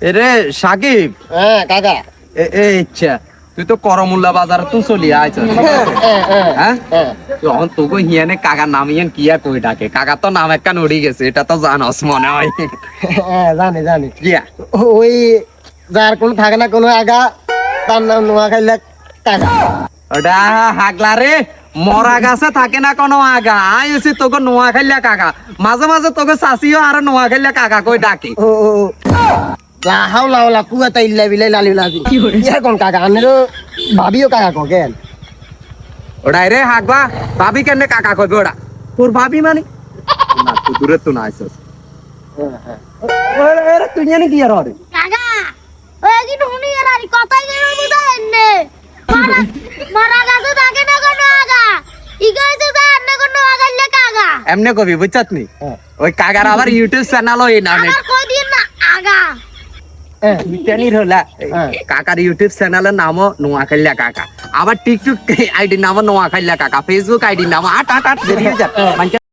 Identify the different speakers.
Speaker 1: এরে সাকিব।
Speaker 2: হ্যাঁ কাকা।
Speaker 1: ইচ্ছা তুই তো করমুল্লা বাজার তো চলি আইছ হ্যাঁ তখন তোকে হিয়ানে কাকার নাম ইয়ান কিয়া কই ডাকে কাকা তো নাম একটা নড়ি গেছে এটা তো জানস মনে হয়।
Speaker 2: হ্যাঁ জানি
Speaker 1: কিয়া
Speaker 2: ওই যার কোন থাকে না কোনো আগা তার নাম নোয়াখাইলা কাকা।
Speaker 1: ওটা হাগলা রে মরা গাছে থাকে না কোনো আগা আইছি তোকে নোয়া খাইলা কাকা মাঝে মাঝে তোকে চাষিও আর নোয়া খাইলা কাকা কই ডাকে।
Speaker 2: ও লাহাও লাউলা কুয়াতা ইল্লা বিলাই লালি লাজি ইয়া কোন কাকা আনেরও ভাবিও কাকা কো কেন
Speaker 1: ওটাই রে হাগবা ভাবি কেন কাকা কইবে ওটা তোর ভাবি মানে না তুই দূরে তো না আইছস তুই জানি কি আর রে
Speaker 3: কাকা ওই কি নুনি এর আর কথাই কই বুঝাইন নে মারা গাছে থাকে না কোনো আগা ইগাইছে যা আন্ন কোনো আগাইলে কাকা
Speaker 1: এমনে কবি বুঝছত নি ওই কাকার আবার ইউটিউব চ্যানেল ওই নামে
Speaker 3: আর কই দিন না আগা
Speaker 1: মিটানির হলা কাকার ইউটিউব চ্যানেলের নামও নোয়াখাইলা কাকা আবার টিকটক আইডি নামও নোয়াখাইলা কাকা ফেসবুক আইডি নাম আট বেরিয়ে যা